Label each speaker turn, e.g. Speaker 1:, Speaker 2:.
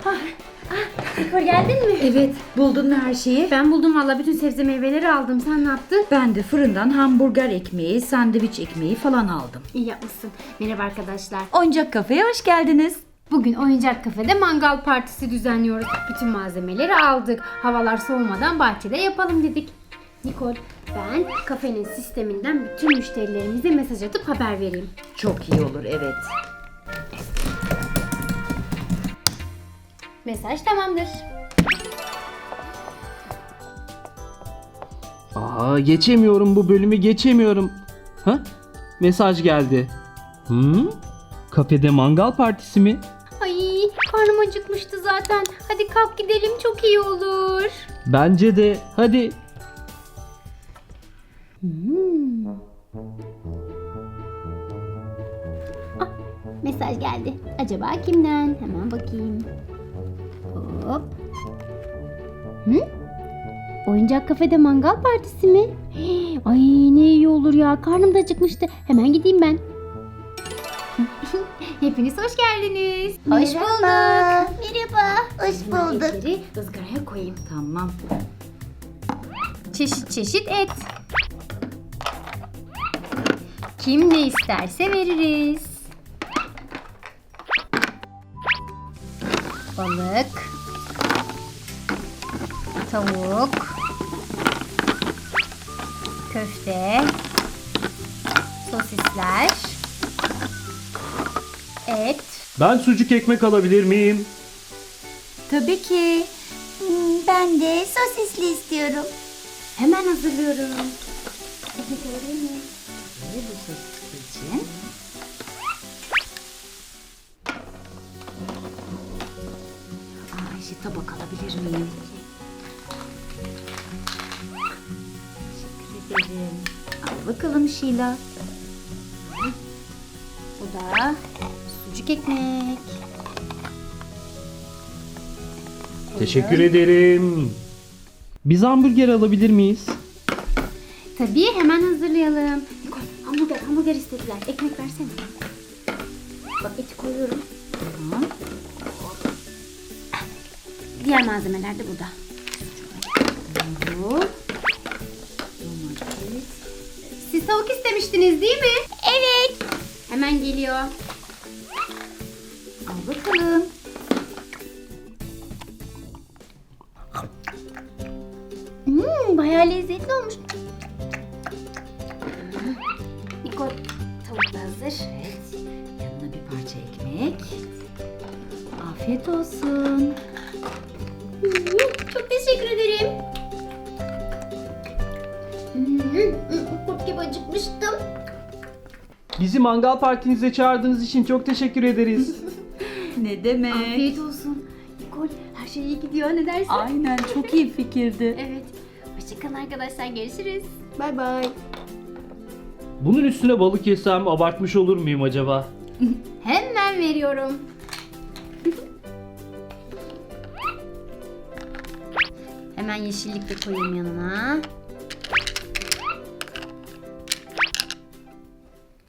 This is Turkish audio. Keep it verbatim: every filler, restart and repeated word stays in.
Speaker 1: Nikol geldin mi?
Speaker 2: Evet, buldun mu her şeyi?
Speaker 1: Ben buldum valla, bütün sebze meyveleri aldım. Sen ne yaptın?
Speaker 2: Ben de fırından hamburger ekmeği, sandviç ekmeği falan aldım.
Speaker 1: İyi yapmışsın. Merhaba arkadaşlar.
Speaker 2: Oyuncak kafeye hoş geldiniz.
Speaker 1: Bugün oyuncak kafede mangal partisi düzenliyoruz. Bütün malzemeleri aldık. Havalar soğumadan bahçede yapalım dedik. Nikol, ben kafenin sisteminden bütün müşterilerimize mesaj atıp haber vereyim.
Speaker 2: Çok iyi olur, evet.
Speaker 1: Mesaj tamamdır.
Speaker 3: Aa, geçemiyorum bu bölümü geçemiyorum. Ha? Mesaj geldi. Hı? Kafede mangal partisi mi?
Speaker 1: Ay, karnım acıkmıştı zaten. Hadi kalk gidelim, çok iyi olur.
Speaker 3: Bence de. Hadi.
Speaker 1: Mesaj geldi. Acaba kimden? Hemen bakayım. Hop. Hı? Oyuncak kafede mangal partisi mi? Ay ne iyi olur ya. Karnım da acıkmıştı. Hemen gideyim ben. Hepiniz hoş geldiniz. Hoş bulduk.
Speaker 4: Merhaba. Hoş bulduk.
Speaker 1: Etleri ızgaraya koyayım.
Speaker 2: Tamam.
Speaker 1: Çeşit çeşit et. Kim ne isterse veririz. Balık, tavuk, köfte, sosisler, et.
Speaker 3: Ben sucuk ekmek alabilir miyim?
Speaker 2: Tabii ki.
Speaker 4: Hmm, Ben de sosisli istiyorum.
Speaker 1: Hemen hazırlıyorum.
Speaker 2: Ve bu sosis için. Aa, Ayşe, tabak alabilir miyim? Teşekkür ederim. Al bakalım Şila.
Speaker 1: Bu da sucuk ekmek.
Speaker 3: Teşekkür ederim. Biz hamburger alabilir miyiz?
Speaker 1: Tabii, hemen hazırlayalım. Nikol, hamburger, hamburger istediler. Ekmek versene. Bak, eti koyuyorum.
Speaker 2: Tamam.
Speaker 1: Diğer malzemeler de burada. Bu.
Speaker 2: Domates.
Speaker 1: Siz tavuk istemiştiniz değil mi?
Speaker 4: Evet.
Speaker 1: Hemen geliyor.
Speaker 2: Al bakalım.
Speaker 1: Hmm, bayağı lezzetli olmuş. Nikol, tavuk da hazır.
Speaker 2: Evet. Yanına bir parça ekmek. Afiyet olsun.
Speaker 1: Hmm, çok teşekkür ederim. Hmm, kurt gibi acıkmıştım.
Speaker 3: Bizi mangal partinize çağırdığınız için çok teşekkür ederiz.
Speaker 2: Ne demek?
Speaker 1: Afiyet olsun. Nikol, her şey iyi gidiyor, ne dersin?
Speaker 2: Aynen, çok iyi fikirdi.
Speaker 1: Evet. Hoşçakalın arkadaşlar, görüşürüz.
Speaker 2: Bay bay.
Speaker 3: Bunun üstüne balık yesem abartmış olur muyum acaba?
Speaker 1: Hemen veriyorum. Hemen yeşillik de koyayım yanına.